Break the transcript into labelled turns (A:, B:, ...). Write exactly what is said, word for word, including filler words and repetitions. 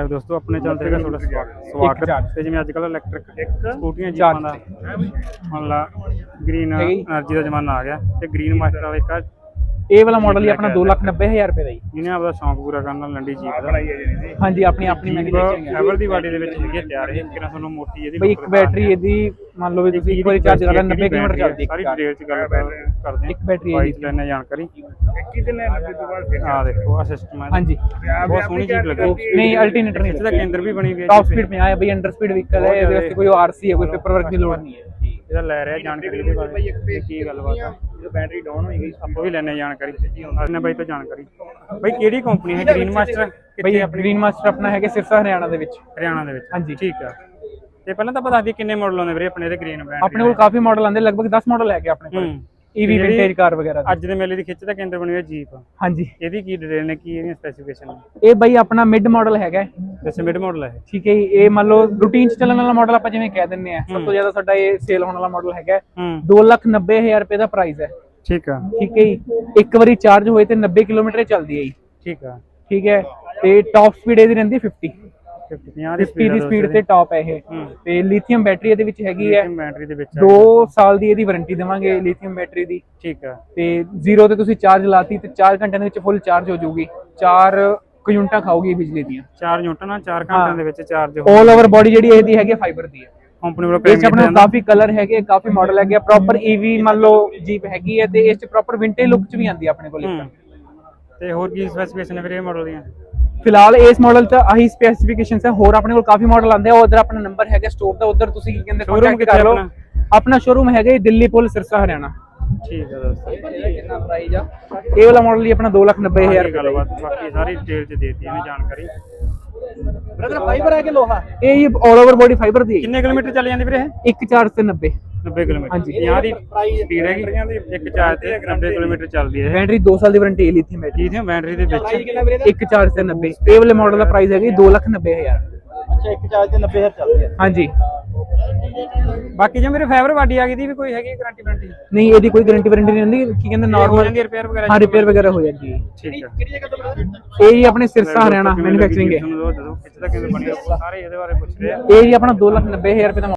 A: Live ਦੋਸਤੋ ਆਪਣੇ channel ਤੇ ਤੁਹਾਡਾ ਸਵਾਗਤ ਤੇ ਜਿਵੇਂ ਅੱਜ ਕੱਲ ਇਲੈਕਟ੍ਰਿਕ ਸਕੂਟੀਆਂ ਜੀਪਾਂ ਦਾ ਮੰਨ ਲਾ ਗ੍ਰੀਨ એનર્ਜੀ ਦਾ ਜ਼ਮਾਨਾ ਆ ਗਿਆ ਤੇ ਗ੍ਰੀਨ ਮਾਸਟਰ ਵਾਲਾ ਇੱਕ
B: ਇਹ ਵਾਲਾ ਮਾਡਲ ਹੀ ਆਪਣਾ ਦੋ ਲੱਖ ਨੱਬੇ ਹਜ਼ਾਰ ਰੁਪਏ ਦਾ ਜੀ।
A: ਇਹਨੇ ਆਪਦਾ ਸ਼ੌਂਕ ਪੂਰਾ ਕਰਨ ਨਾਲ ਲੰਡੀ ਜੀਪ ਦਾ
B: ਹਾਂਜੀ ਆਪਣੀ ਆਪਣੀ ਮੈਨੂਫੈਕਚਰਿੰਗ
A: ਐਵਰ ਦੀ ਬਾਡੀ ਦੇ ਵਿੱਚ ਹੈਗੀ ਤਿਆਰ ਇਹ ਕਿਹਨਾਂ ਤੁਹਾਨੂੰ ਮੋਟੀ ਇਹਦੀ
B: ਬਈ ਇੱਕ ਬੈਟਰੀ ਇਹਦੀ ਮੰਨ ਲਓ ਵੀ ਤੁਸੀਂ ਇੱਕ ਵਾਰੀ ਚਾਰਜ ਕਰਾ ਨੱਬੇ ਕਿਲੋਮੀਟਰ ਚੱਲਦੀ
A: ਸਾਰੀ ਡਿਟੇਲ ਚ ਗੱਲ ਕਰਦੇ
B: ਇੱਕ ਬੈਟਰੀ
A: ਬਾਈਕ ਲੈਣੇ ਜਾਣਕਾਰੀ ਕਿਤੇ ਤੋਂ ਬਾਅਦ ਆ ਦੇਖੋ ਆ ਸਿਸਟਮ ਹੈ
B: ਹਾਂਜੀ
A: ਬਹੁਤ ਸੋਹਣੀ ਜੀਪ ਲੱਗੀ
B: ਨਹੀਂ ਅਲਟਰਨੇਟਰ ਨਹੀਂ
A: ਇਹਦਾ ਕੇਂਦਰ ਵੀ ਬਣੀ ਹੋਈ ਹੈ
B: ਟੌਪ ਸਪੀਡ में आया भाई अंडर स्पीड व्हीकल है ਇਹਦੇ ਵਾਸਤੇ ਕੋਈ ਆਰਸੀ ਹੈ ਕੋਈ ਪੇਪਰ ਵਰਕ ਦੀ ਲੋੜ ਨਹੀਂ ਹੈ
A: ਇਹਦਾ ਲੈ ਰਿਹਾ ਜਾਣਕਾਰੀ ਦੇ ਬਾਰੇ ਕੀ ਗੱਲਬਾਤ ਆ ਜਦੋਂ ਬੈਟਰੀ ਡਾਊਨ ਹੋਈ ਗਈ ਆਪਾਂ ਵੀ ਲੈਣੇ ਜਾਣਕਾਰੀ ਆਪਣੇ ਬਾਈ ਤੋਂ ਜਾਣਕਾਰੀ ਬਾਈ ਕਿਹੜੀ ਕੰਪਨੀ ਹੈ ਗ੍ਰੀਨ ਮਾਸਟਰ
B: ਭਾਈ ਗ੍ਰੀਨ ਮਾਸਟਰ ਆਪਣਾ ਹੈਗਾ ਸਿਰਸਾ ਹਰਿਆਣਾ ਦੇ ਵਿੱਚ
A: ਹਰਿਆਣਾ ਦੇ ਵਿੱਚ
B: ਹਾਂਜੀ
A: ਠੀਕ ਆ ਤੇ ਪਹਿਲਾਂ ਤਾਂ ਪਤਾ ਸੀ ਕਿੰਨੇ ਮਾਡਲ ਆਉਂਦੇ ਵੀਰੇ ਆਪਣੇ ਇਹਦੇ ਗ੍ਰੀਨ ਬ੍ਰਾਂਡ
B: ਆਪਣੇ ਕੋਲ ਕਾਫੀ ਮਾਡਲ ਆਉਂਦੇ ਲਗਭਗ ਦਸ ਮਾਡਲ ਹੈਗੇ ਆਪਣੇ ਕੋਲ ਈਵੀ ਵਿੰਟੇਜ ਕਾਰ ਵਗੈਰਾ
A: ਅੱਜ ਦੇ ਮੇਲੇ ਦੀ ਖਿੱਚ ਦਾ ਕੇਂਦਰ ਬਣੀ ਹੋਈ ਜੀਪ
B: ਹਾਂਜੀ
A: ਇਹਦੀ ਕੀ ਡਿਟੇਲ ਨੇ ਕੀ ਇਹਦੀਆਂ ਸਪੈਸੀਫਿਕੇਸ਼ਨ ਨੇ
B: ਇਹ ਬਾਈ ਆਪਣਾ ਮਿਡ ਮਾਡਲ ਹੈਗਾ
A: ਵੈਸੇ ਮਿਡ ਮਾਡਲ ਹੈ
B: ਠੀਕ ਹੈ ਜੀ। ਇਹ ਮੰਨ ਲਓ ਰੂਟੀਨ ਚ ਚੱਲਣ ਵਾਲਾ ਮਾਡਲ ਆਪਾਂ ਜਿਵੇਂ ਕਹਿ ਦਿੰਨੇ ਆ ਸਭ ਤੋਂ ਜ਼ਿਆਦਾ ਸਾਡਾ ਇਹ ਸੇਲ ਹੋਣ ਵਾਲਾ ਮਾਡਲ ਹੈਗਾ ਦੋ ਲੱਖ ਨੱਬੇ ਹਜ਼ਾਰ ਰੁਪਏ ਦਾ ਪ੍ਰਾਈਸ ਹੈ
A: ਠੀਕ ਆ
B: ਠੀਕ ਹੈ ਜੀ। ਇੱਕ ਵਾਰੀ ਚਾਰਜ ਹੋਏ ਤੇ ਨੱਬੇ ਕਿਲੋਮੀਟਰ ਚੱਲਦੀ ਹੈ ਜੀ
A: ਠੀਕ ਆ
B: ਠੀਕ ਹੈ ਤੇ ਟਾਪ ਸਪੀਡ ਇਹਦੀ ਰਹਿੰਦੀ ਫਿਫਟੀ
A: ਪੰਜਾਹ
B: ਦੀ ਸਪੀਡ ਤੇ ਟਾਪ ਹੈ ਇਹ ਤੇ ਲਿਥੀਅਮ ਬੈਟਰੀ ਇਹਦੇ ਵਿੱਚ ਹੈਗੀ ਹੈ
A: ਬੈਟਰੀ ਦੇ ਵਿੱਚ
B: ਦੋ ਸਾਲ ਦੀ ਇਹਦੀ ਵਾਰੰਟੀ ਦੇਵਾਂਗੇ ਲਿਥੀਅਮ ਬੈਟਰੀ ਦੀ
A: ਠੀਕ ਆ
B: ਤੇ ਜ਼ੀਰੋ ਤੇ ਤੁਸੀਂ ਚਾਰਜ ਲਾਤੀ ਤੇ ਚਾਰ ਘੰਟਿਆਂ ਦੇ ਵਿੱਚ ਫੁੱਲ ਚਾਰਜ ਹੋ ਜਾਊਗੀ ਚਾਰ ਯੂਨਿਟਾਂ ਖਾਊਗੀ ਬਿਜਲੀ ਦੀਆਂ
A: ਚਾਰ ਯੂਨਿਟਾਂ ਨਾਲ ਚਾਰ ਘੰਟਿਆਂ ਦੇ ਵਿੱਚ ਚਾਰਜ ਹੋ
B: ਆਲ ਓਵਰ ਬੋਡੀ ਜਿਹੜੀ ਇਹਦੀ ਹੈਗੀ ਫਾਈਬਰ ਦੀ ਹੈ
A: ਕੰਪਨੀ ਵੱਲੋਂ
B: ਇਸ ਆਪਣਾ ਕਾਫੀ ਕਲਰ ਹੈਗੇ ਕਾਫੀ ਮਾਡਲ ਹੈਗੇ ਪ੍ਰੋਪਰ ਈਵੀ ਮੰਨ ਲਓ ਜੀਪ ਹੈਗੀ ਹੈ ਤੇ ਇਸ ਚ ਪ੍ਰੋਪਰ ਵਿੰਟੇਜ ਲੁੱਕ ਚ ਵੀ ਆਉਂਦੀ ਹੈ ਆਪਣੇ ਕੋਲ
A: ਤੇ ਹੋਰ ਕੀ ਸਪੈਸੀਫਿਕੇਸ਼ਨ ਹੈ ਵੀਰੇ ਮਾਡਲ ਦੀਆਂ
B: ਫਿਲਹਾਲ ਇਸ ਮਾਡਲ ਚ ਆਹੀ ਸਪੈਸੀਫਿਕੇਸ਼ਨਸ ਹੈ ਹੋਰ ਆਪਣੇ ਕੋਲ ਕਾਫੀ ਮਾਡਲ ਆਉਂਦੇ ਆ ਉਧਰ ਆਪਣਾ ਨੰਬਰ ਹੈਗਾ ਸਟੋਰ ਦਾ ਉਧਰ ਤੁਸੀਂ ਕੀ ਕਹਿੰਦੇ ਕੰਟੈਕਟ ਕਰ ਲਓ ਆਪਣਾ ਸ਼ੋਰੂਮ ਹੈਗਾ ਦਿੱਲੀ ਪੁਲ ਸਿਰਸਾ ਹਰਿਆਣਾ
A: ਠੀਕ ਹੈ ਦੋਸਤੋ
B: ਕਿੰਨਾ ਪ੍ਰਾਈਸ ਆ ਇਹ ਵਾਲਾ ਮਾਡਲ ਹੀ ਆਪਣਾ ਦੋ ਲੱਖ ਨੱਬੇ ਹਜ਼ਾਰ
A: ਗੱਲਬਾਤ ਬਾਕੀ ਸਾਰੀ ਡਿਟੇਲ ਚ ਦੇਤੀ ਇਹਨੇ ਜਾਣਕਾਰੀ
B: ਬ੍ਰਦਰ ਫਾਈਬਰ ਹੈ ਕਿ ਲੋਹਾ ਇਹ ਹੀ ਆਲ ਓਵਰ ਬੋਡੀ ਫਾਈਬਰ ਦੀ
A: ਕਿੰਨੇ ਕਿਲੋਮੀਟਰ ਚੱਲ ਜਾਂਦੀ ਵੀਰੇ ਇਹ
B: ਇੱਕ ਚਾਰਜ ਤੇ ਨੱਬੇ
A: ਨੱਬੇ ਕਿਲੋਮੀਟਰ ਹਾਂਜੀ ਪੰਜਾਹ ਦੀ ਸਪੀਡ ਹੈਗੀ ਇੱਕ ਚਾਰਜ ਤੇ ਨੱਬੇ ਕਿਲੋਮੀਟਰ ਚੱਲਦੀ ਹੈ
B: ਬੈਟਰੀ ਦੋ ਸਾਲ ਦੀ ਵਾਰੰਟੀ ਹੈ ਲਿਥੀਅਮ ਬੈਟਰੀ
A: ਲਿਥੀਅਮ ਬੈਟਰੀ ਦੇ ਵਿੱਚ
B: ਇੱਕ ਚਾਰਜ ਤੇ ਨੱਬੇ ਇਹ ਵਾਲੇ ਮਾਡਲ ਦਾ ਪ੍ਰਾਈਸ ਹੈਗਾ ਦੋ ਲੱਖ ਨੱਬੇ ਹਜ਼ਾਰ ਅੱਛਾ ਇੱਕ ਚਾਰਜ ਤੇ ਨੱਬੇ ਹਜ਼ਾਰ ਚੱਲਦੀ ਹੈ ਹਾਂਜੀ
A: ਬਾਕੀ ਜੇ ਮੇਰੇ ਫਾਈਬਰ ਬਾਡੀ ਆ ਗਈ ਦੀ ਵੀ ਕੋਈ ਹੈਗੀ ਗਾਰੰਟੀ ਵਾਰੰਟੀ
B: ਨਹੀਂ ਇਹਦੀ ਕੋਈ ਗਾਰੰਟੀ ਵਾਰੰਟੀ ਨਹੀਂ ਹੁੰਦੀ ਕੀ ਕਹਿੰਦੇ ਨਾਰਮਲ
A: ਰਿਪੇਅਰ ਵਗੈਰਾ
B: ਹਾਂ ਰਿਪੇਅਰ ਵਗੈਰਾ ਹੋ ਜਾਂਦੀ ਹੈ
A: ਠੀਕ ਹੈ
B: ਕਿਹੜੀ ਜਗ੍ਹਾ ਤੋਂ ਬ੍ਰਦਰ ਇਹ ਹੀ ਆਪਣੇ ਸਿਰਸਾ ਹਰਿਆਣਾ ਮੈਨੂਫੈਕਚਰਿੰਗ ਹੈ
A: ਦੱਸੋ ਕਿੱਥੇ ਦਾ ਕਿਵੇਂ ਬਣੀ ਸਾਰੇ ਇਹਦੇ ਬਾਰੇ ਪੁੱਛ ਰਹੇ ਆ
B: ਇਹ ਹੀ ਆਪਣਾ ਦੋ ਲੱਖ ਨੱਬੇ ਹਜ਼ਾਰ ਰੁਪਏ ਦਾ